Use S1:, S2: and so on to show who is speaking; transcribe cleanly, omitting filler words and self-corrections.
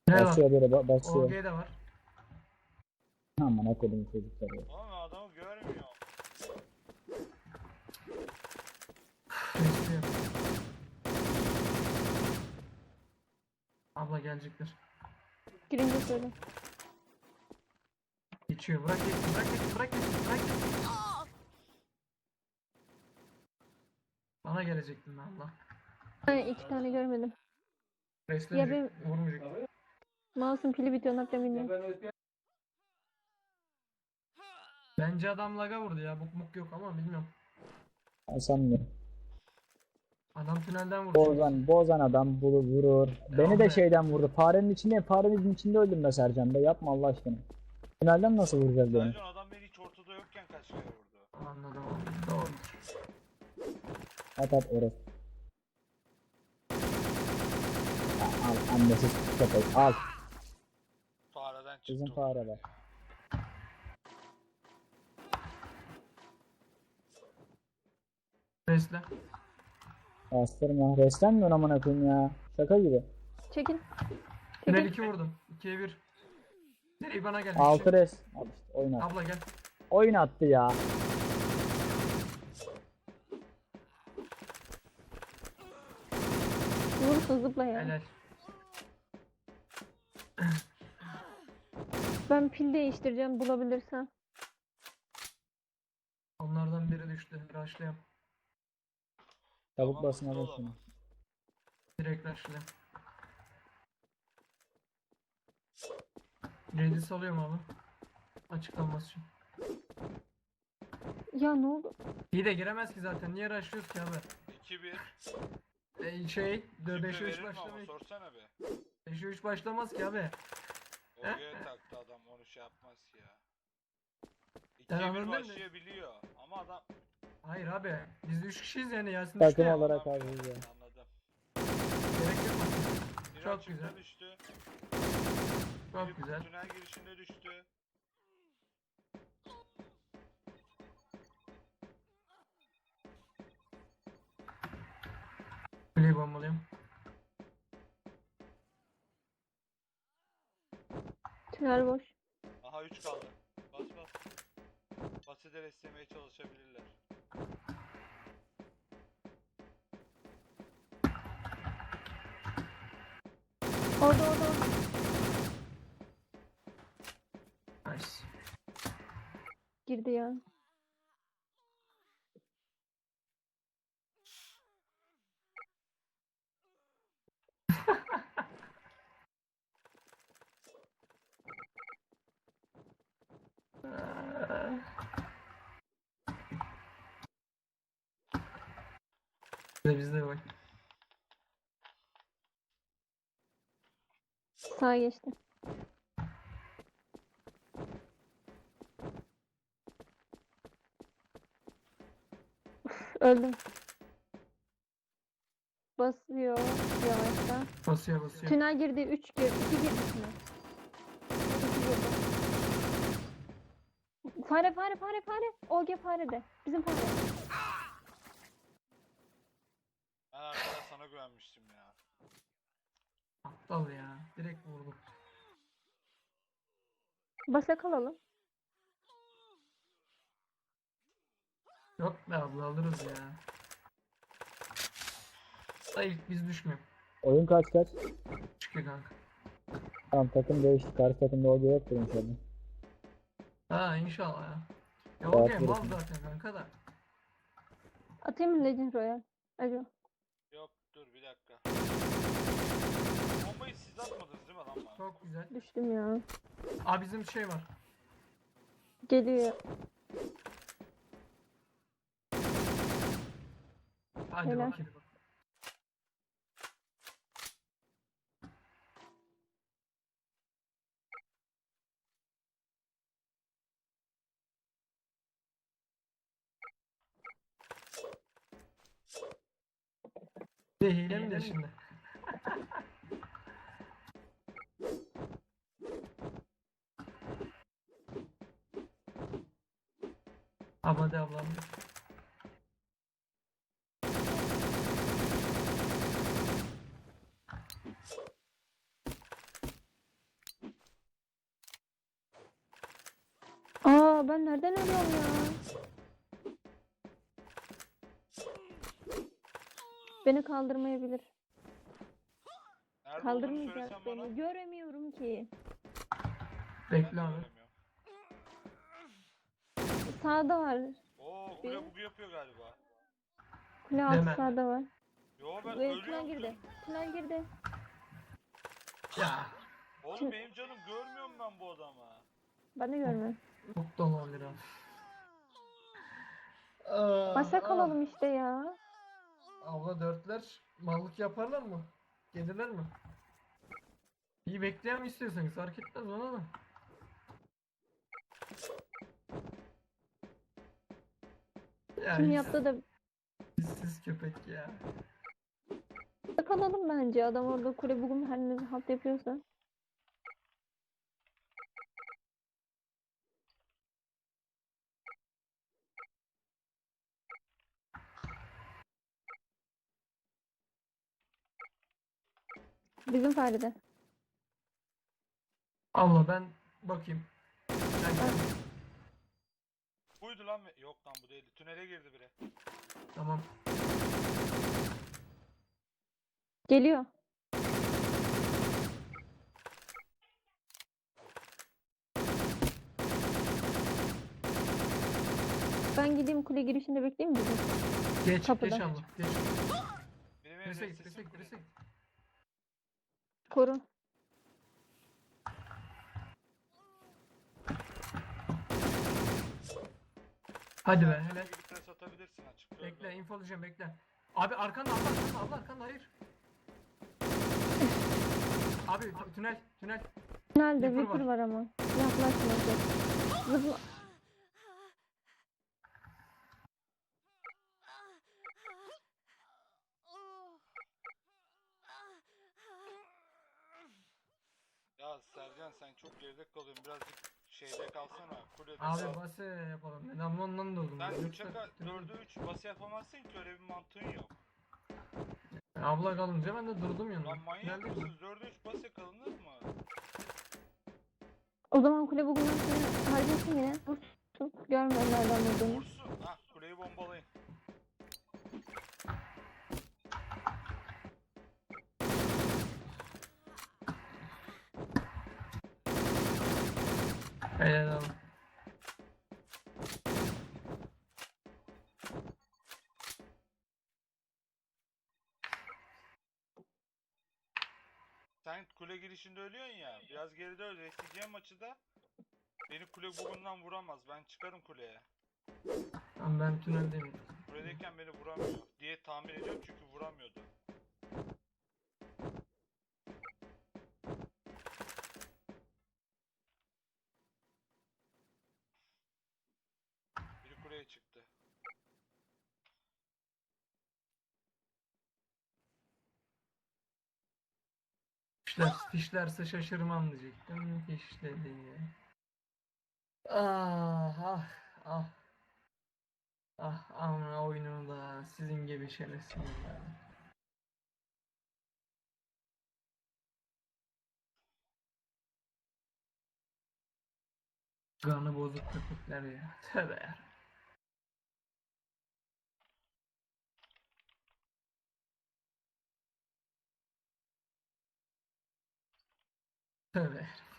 S1: Ne var?
S2: Basıyor böyle basıyor.
S1: OG de var.
S2: Aman akıllım çocuklar ya.
S3: Oğlum adamı görmüyor.
S1: Besliyor. Abla gelecektir.
S4: Girince söyle.
S1: Geçiyor. Bırak geçsin. Bırak geçsin. Bırak geçsin. Bırak geçsin. Bana gelecektin Allah.
S4: Ben 2 tane görmedim. Ya
S1: Beslenecek. Vurmayacak.
S4: Mouse'un pili bitiyor, ne yapacağım bilmiyorum.
S1: Bence adam laga vurdu ya. Buk muk yok ama bilmiyorum.
S2: Ben sanmıyorum.
S1: Adam tünelden vurdu.
S2: Bozan adam vurur. Beni de
S1: abi.
S2: şeyden vurdu. Farenin içinde öldüm be Sercan be. Yapma Allah aşkına. Finalden nasıl vuracağız beni?
S3: Sercan adam beni hiç ortada yokken kaç kere vurdu.
S1: Anladım. Doğru.
S2: At orası. Al annesiz köpek al.
S3: Fareden çıktı.
S2: Bizim
S3: o.
S2: fare bak.
S1: Besle.
S2: Bastırma. Reslenmiyor amına koyayım ya. Şaka gibi.
S4: Çekil.
S1: Tünel 2 vurdum. 2'ye 1. Nereye bana geldi?
S2: 6 res. Al işte oyun attı.
S1: Abla gel.
S2: Oyun attı ya.
S4: Vurursun, zıpla ya.
S1: Helal.
S4: Ben pil değiştireceğim bulabilirsem.
S1: Onlardan biri düştü. Rushlayalım.
S2: Çabuk
S3: Tamam,
S2: basın
S3: hızlı
S2: alın
S3: ol
S2: şunu.
S3: ama.
S1: Direkt rushlayalım. Ready salıyorum abi. Açıklanması için.
S4: Ya ne oldu?
S1: İyi de giremez ki zaten. Niye rushlıyoruz ki abi?
S3: 2-1.
S1: Şey,
S3: Kimse
S1: 5'e 3
S3: verir mi ama
S1: başlamayız.
S3: sorsana be.
S1: 5'e 3 başlamaz ki abi.
S3: OG'ye taktı adam onu şey yapmaz ya.
S1: Ben
S3: 2'ye 1
S1: anladım da-
S3: başlayabiliyor. Ama adam
S1: Hayır abi. Biz 3 kişiyiz yani. Yasin
S2: Takım
S1: düştü ya.
S2: olarak
S3: anlamıyor.
S2: abi ya.
S3: Anladım.
S1: Gerek yok aslında.
S3: Biri
S1: Çok
S3: açıkta
S1: güzel.
S3: düştü.
S1: Çok
S3: Biri
S1: güzel.
S3: tünel girişinde düştü.
S1: Kuleyi bombalayayım.
S4: Tünel boş.
S3: Aha 3 kaldı. Bas bas. Basite restlemeye çalışabilirler.
S4: Orada.
S1: Nice.
S4: Girdi ya.
S1: Bizde bak.
S4: Sağa geçti. Uf, öldüm. Basıyor yavaştan.
S1: Basıyor.
S4: Tünel girdi, 3 girdi, 2 girdi tünel. 2 girdi. Fare. OG fare de. Bizim fare.
S3: Ben arkadaş sana güvenmiştim ya.
S1: Aptal ya. Direkt vurduk.
S4: Basak alalım.
S1: Yok be abla alırız ya. Da ilk biz düşmüyor.
S2: Oyun kaç?
S1: Çıkıyor kanka.
S2: Tamam takım değişti. Karşı takımda o yoktur inşallah.
S1: Ha inşallah ya. Ya
S2: Rahat
S1: o game mal
S2: verirsin.
S1: zaten kanka da.
S4: Atayım mı Legend Royal? Alo.
S3: Yok dur bir dakika. Bombayı siz atmadınız değil mi lan bana?
S1: Çok güzel.
S4: Düştüm ya.
S1: Aa bizim şey var.
S4: Geliyor.
S1: Hadi
S4: Helal.
S1: bakayım. Bir de hile mi de şimdi? Hadi ablam.
S4: Ya ben nereden ölüyorum ya? Beni kaldırmayabilir.
S3: Nerede olduğunu
S4: Kaldırmayacak
S3: söylesen bana.
S4: beni. Göremiyorum ki.
S3: Ben de
S1: Bekle abi.
S3: göremiyorum.
S4: Sağda var.
S3: Oo
S4: Bir-
S3: kule bugu yapıyor galiba.
S4: Kule altı
S1: Deme.
S4: sağda var.
S3: Yo ben
S4: Ve tünel
S3: ölüyorum.
S4: girdi. Tünel girdi.
S1: Ya.
S3: Oğlum benim canım görmüyorum ben bu adamı.
S4: Ben de görmüyorum.
S1: Çok da olabilir abi.
S4: Masak alalım işte ya.
S1: Abla dörtler mallık yaparlar mı? Gelirler mi? İyi bekleyen mi istiyorsanız fark etmez bana da. Ya
S4: Kim
S1: hiç
S4: yaptı da
S1: siz köpek ya.
S4: masak alalım bence. Adam orada kule bugün her ne halt yapıyorsa. Bizim Feride.
S1: Allah ben bakayım. Ben geldim.
S3: Buydu lan. Yok lan bu değildi. Tünele girdi biri.
S1: Tamam.
S4: Geliyor. Ben gideyim kule girişinde bekleyeyim mi?
S1: Geç
S4: Kapıda.
S1: geç abla. Geç.
S3: Biri benim
S1: Birisi git
S3: sesimi
S1: birisi git
S3: kule.
S1: birisi git.
S4: Koru.
S1: Hadi be
S3: Sen
S1: hele.
S3: gibi pres atabilirsin açık.
S1: Bekle infolayacağım bekle. Abi arkanda abla arkanda hayır. Abi tünel tünel.
S4: Tünelde
S1: Viper
S4: Viper
S1: var.
S4: var ama. Yaklaşmayacak. Zıpla.
S3: Ya Sercan sen çok geride kalıyorsun. Birazcık şeyde kalsana. Kulede
S1: Abi
S3: kal.
S1: bası yapalım. Ben ama ondan durdum.
S3: Sen
S1: Yoksa
S3: 3'e
S1: tünel-
S3: 4'e 3 bası yapamazsın ki öyle bir mantığın yok.
S1: Abla kalınca ben de durdum yanında.
S3: Lan manyak
S1: Tüneldeyim ben.
S3: mısınız? 4'e 3 bas yakalanır mı?
S4: O zaman kule bugün seni harcasın yine. Vursun. Görmüyorum nereden vurduğunu.
S3: Vursun. Hah kuleyi bombalayın.
S1: Helal abi.
S3: Sen kule girişinde ölüyorsun ya. Biraz geride öl. Restleyeceğim maçı da. Beni kule bugundan vuramaz. Ben çıkarım kuleye.
S1: Tamam ben tüneldeyim.
S3: Kuledeyken beni vuramıyor diye tahmin ediyorum çünkü vuramıyordu. Biri kuleye çıktı.
S1: Fişlerse şaşırmam diyecektim. Fişledi. Ah ah ah. Ah amına oyunu da sizin gibi şerefsiz ya. Kanı bozuk köpekler ya. Tövbe ya. Tövbe.